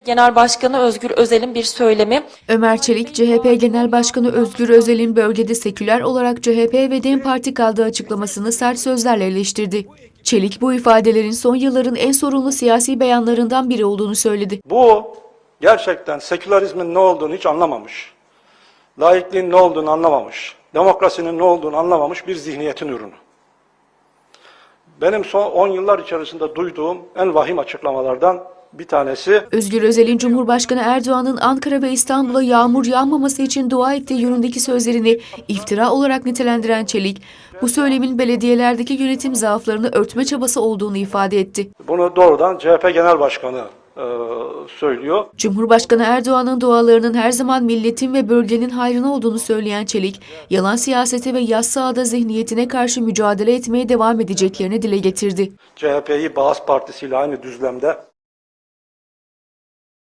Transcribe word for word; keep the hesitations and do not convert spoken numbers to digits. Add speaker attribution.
Speaker 1: Genel Başkanı Özgür Özel'in bir söylemi.
Speaker 2: Ömer Çelik, C H P Genel Başkanı Özgür Özel'in bölgede seküler olarak C H P ve DEM Parti kaldığı açıklamasını sert sözlerle eleştirdi. Çelik bu ifadelerin son yılların en sorunlu siyasi beyanlarından biri olduğunu söyledi.
Speaker 3: Bu gerçekten sekülerizmin ne olduğunu hiç anlamamış. Laikliğin ne olduğunu anlamamış. Demokrasinin ne olduğunu anlamamış bir zihniyetin ürünü. Benim son on yıllar içerisinde duyduğum en vahim açıklamalardan bir tanesi.
Speaker 2: Özgür Özel'in Cumhurbaşkanı Erdoğan'ın Ankara ve İstanbul'a yağmur yağmaması için dua ettiği yönündeki sözlerini iftira olarak nitelendiren Çelik, bu söylemin belediyelerdeki yönetim zaaflarını örtme çabası olduğunu ifade etti.
Speaker 3: Bunu doğrudan C H P Genel Başkanı e, söylüyor.
Speaker 2: Cumhurbaşkanı Erdoğan'ın dualarının her zaman milletin ve bölgenin hayrına olduğunu söyleyen Çelik, yalan siyasete ve yassı ağda zihniyetine karşı mücadele etmeye devam edeceklerini dile getirdi.
Speaker 3: C H P'yi Bağız Partisi ile aynı düzlemde